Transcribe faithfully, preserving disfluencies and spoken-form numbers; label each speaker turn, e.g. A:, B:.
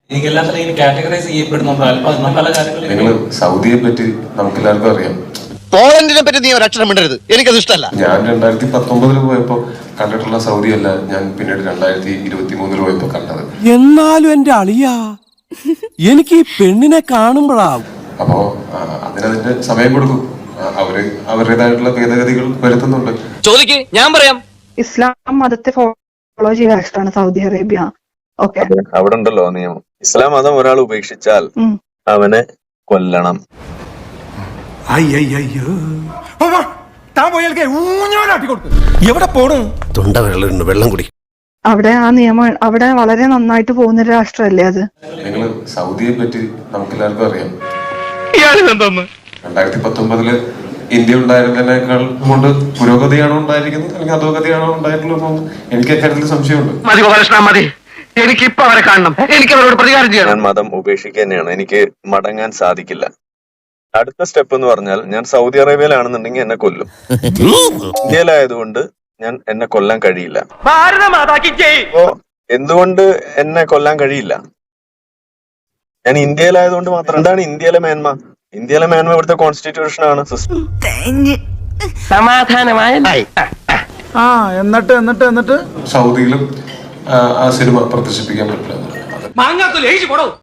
A: നിങ്ങൾ സൗദിയെ പറ്റി നമുക്ക് എല്ലാവർക്കും അറിയാം.
B: പോളണ്ടിനെ പറ്റി നീ ഒരക്ഷരം മിണ്ടരുത്, എനിക്കത് ഇഷ്ടമല്ല.
A: ഞാൻ രണ്ടായിരത്തി പത്തൊമ്പതിൽ പോയപ്പോ കണ്ടിട്ടുള്ള സൗദി അല്ല ഞാൻ പിന്നീട് രണ്ടായിരത്തി ഇരുപത്തി മൂന്നിൽ പോയപ്പോ കണ്ടത്.
C: എന്നാലും എന്റെ അളിയാ എനിക്ക് ഈ പെണ്ണിനെ കാണുമ്പോഴാ.
A: അപ്പോ അതിനതിന്റെ സമയം കൊടുക്കും. അവര് അവരുടേതായിട്ടുള്ള ഭേദഗതികൾ വരുത്തുന്നുണ്ട്.
D: ചോദിക്ക്, ഞാൻ പറയാം.
E: ഇസ്ലാം മതത്തെ ഫോളോ ചെയ്ത രാഷ്ട്രമാണ് സൗദി അറേബ്യ. ഓക്കെ,
F: അവിടെ ഉണ്ടല്ലോ നിയമം. ഇസ്ലാം മതം ഒരാൾ ഉപേക്ഷിച്ചാൽ അവനെ കൊല്ലണം.
C: എവിടെ പോണു? തൊണ്ട വെള്ളം വെള്ളം കുടി.
E: അവിടെ ആ നിയമം അവിടെ വളരെ നന്നായിട്ട് പോകുന്ന ഒരു രാഷ്ട്രമല്ലേ അത്.
A: നിങ്ങൾ സൗദിയെ പറ്റി നമുക്ക് എല്ലാവർക്കും അറിയാം. രണ്ടായിരത്തി പത്തൊമ്പതില് ഇന്ത്യ ഉണ്ടായിരുന്നതിനേക്കാൾ കൊണ്ട് പുരോഗതിയാണോ ഉണ്ടായിരിക്കുന്നത് അല്ലെങ്കിൽ അധോഗതിയാണോ ഉണ്ടായിട്ടുള്ളത് എനിക്ക് അക്കാര്യത്തിൽ സംശയമുണ്ട്.
D: എനിക്കിപ്പോ അവരെ കാണണം, എനിക്ക് അവരോട് പ്രതികാരം ചെയ്യണം.
F: ഞാൻ മതം ഉപേക്ഷിക്കുക തന്നെയാണ്. എനിക്ക് മടങ്ങാൻ സാധിക്കില്ല. അടുത്ത സ്റ്റെപ്പ് എന്ന് പറഞ്ഞാൽ ഞാൻ സൗദി അറേബ്യയിലാണെന്നുണ്ടെങ്കിൽ എന്നെ കൊല്ലും. ഇന്ത്യയിലായതുകൊണ്ട് ഞാൻ എന്നെ കൊല്ലാൻ കഴിയില്ല. അപ്പോ എന്തുകൊണ്ട് എന്നെ കൊല്ലാൻ കഴിയില്ല? ഞാൻ ഇന്ത്യയിലായതുകൊണ്ട് മാത്രം. എന്താണ് ഇന്ത്യയിലെ മേന്മ? ഇന്ത്യയിലെ മേന്മ ഇവിടുത്തെ കോൺസ്റ്റിറ്റ്യൂഷൻ ആണ്.
D: സമാധാനമായ
C: എന്നിട്ട് എന്നിട്ട് എന്നിട്ട്
A: സൗദിയിലും ആ സിനിമ പ്രദർശിപ്പിക്കാൻ പറ്റില്ല.